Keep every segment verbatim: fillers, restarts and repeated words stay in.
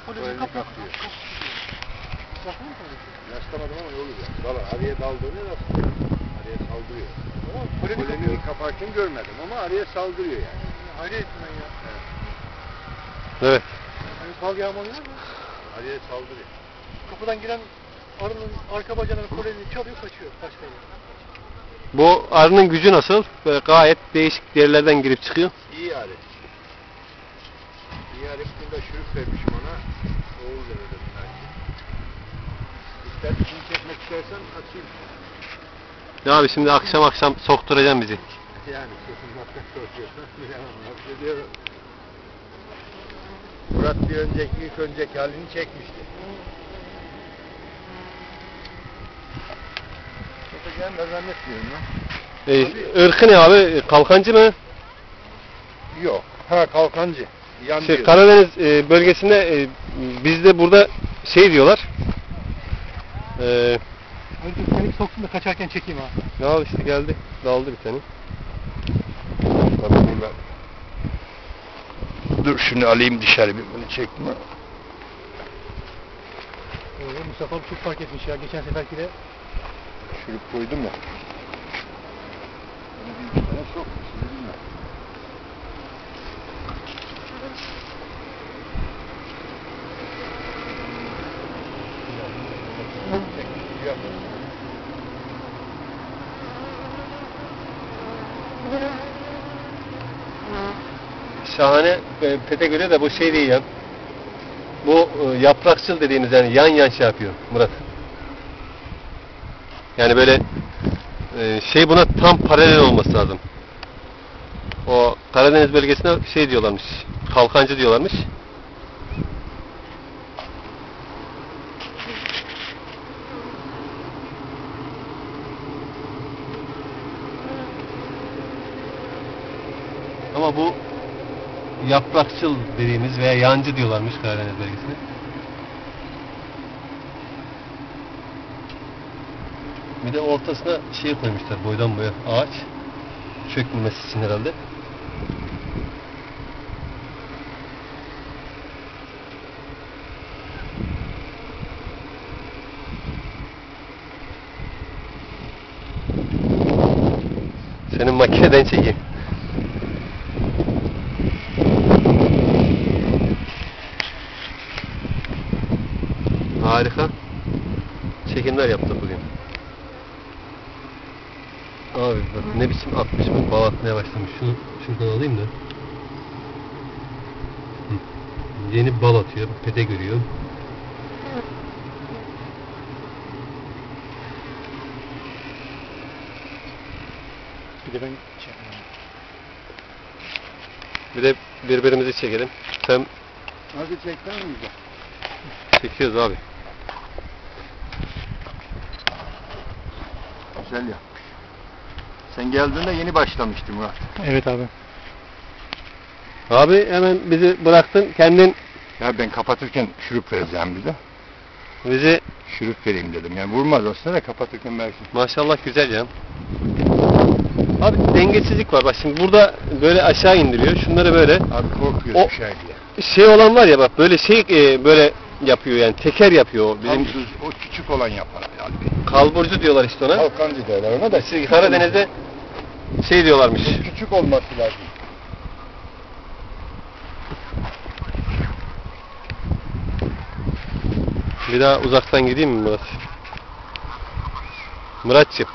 Koleji kapatıyor. Rastlamadım ama yolu ya. Dala araya daldığını rastlıyor. Araya saldırıyor. Koleji kaparken görmedim ama araya saldırıyor yani. Hayret ben ya. Evet. Evet. Hani kal yağmalıyor mu? Araya saldırıyor. Kapıdan giren arının arka bacağının kolejini çalıyor, kaçıyor. Başka yere. Bu arının gücü nasıl? Böyle gayet değişik yerlerden girip çıkıyor. İyi arı. İyi arı bunda şurup vermişim ona. Oğul verirdim belki. İster içini çekmek istersen açayım. Ya abi şimdi akşam akşam sokturacaksın bizi. Yani sokulmaktan korkuyorsan bilemem. Diyorum. Murat bir önceki ilk önceki halini çekmişti. Çekeceğim de zannetmiyorum ya. Ee, ırkı ne abi? Kalkancı mı? Yok. Ha kalkancı. Yan Şey, diyor. Karadeniz e, bölgesinde e, bizde burada şey diyorlar. E, Hadi seni soksun da kaçarken çekeyim ha. ne al işte geldi. Daldı bir tane. Tabii burada. Dur şunu alayım dışarı bir bunu çekme. Ee, Mustafa çok fark etmiş ya. Geçen seferki de Şurup koydum ya. Bunu bir iki tane sokmuş. Bilmem. Şahane e, pete göre de bu şey değil ya. Bu e, yaprakçıl dediğimiz yani yan yan şey yapıyor Murat. Yani böyle e, şey buna tam paralel olması lazım. O Karadeniz bölgesine şey diyorlarmış. Kalkancı diyorlarmış. Ama bu yaprakçıl dediğimiz veya yancı diyorlarmış Karadeniz bölgesine. Bir de ortasına şey koymuşlar boydan boya ağaç. Çökmemesi için herhalde. Senin makineden çekeyim. Harika çekimler yaptık bugün. Abi bak ne biçim atmış bu, bal atmaya başlamış. Şunu şuradan alayım da. Hı. Yeni bal atıyor, pete görüyor. bir de ben şey Bir de birbirimizi çekelim. Sen Nasıl çekten mi güzel? çekiyoruz abi. Güzel ya. Sen geldiğinde yeni başlamıştı Murat. Evet abi. Abi hemen bizi bıraktın, kendin Ya ben kapatırken şurup vereceğim bir de. bizi Şurup vereyim dedim. Yani vurmaz aslında da kapatırken belki. maşallah güzel ya. Abi dengesizlik var. Bak şimdi burada böyle aşağı indiriyor. Şunları böyle Abi korkuyoruz O- bir şey diye. şey olan var ya bak böyle şey e, böyle yapıyor yani teker yapıyor. Bizim Bizim o küçük olan yapar yani. kalburcu diyorlar işte ona. Kalkancı derler ona da. Şey, Karadeniz'de şey diyorlarmış. Küçük olması lazım. Bir daha uzaktan gideyim mi Murat? Muratçım.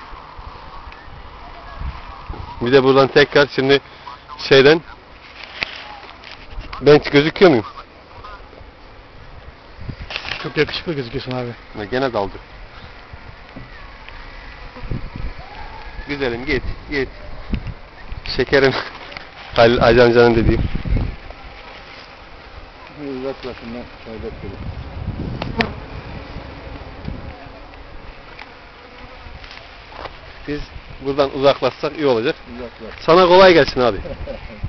Bir de buradan tekrar şimdi şeyden ben gözüküyor muyum? Çok yakışıklı gözüküyorsun abi. Ha, gene daldı. Güzelim git git. Şekerim. Halil Hacı amcanın dediği. Uzaklaşından şerbet verir. Biz buradan uzaklaşsak iyi olacak. Uzaklaş. Sana kolay gelsin abi.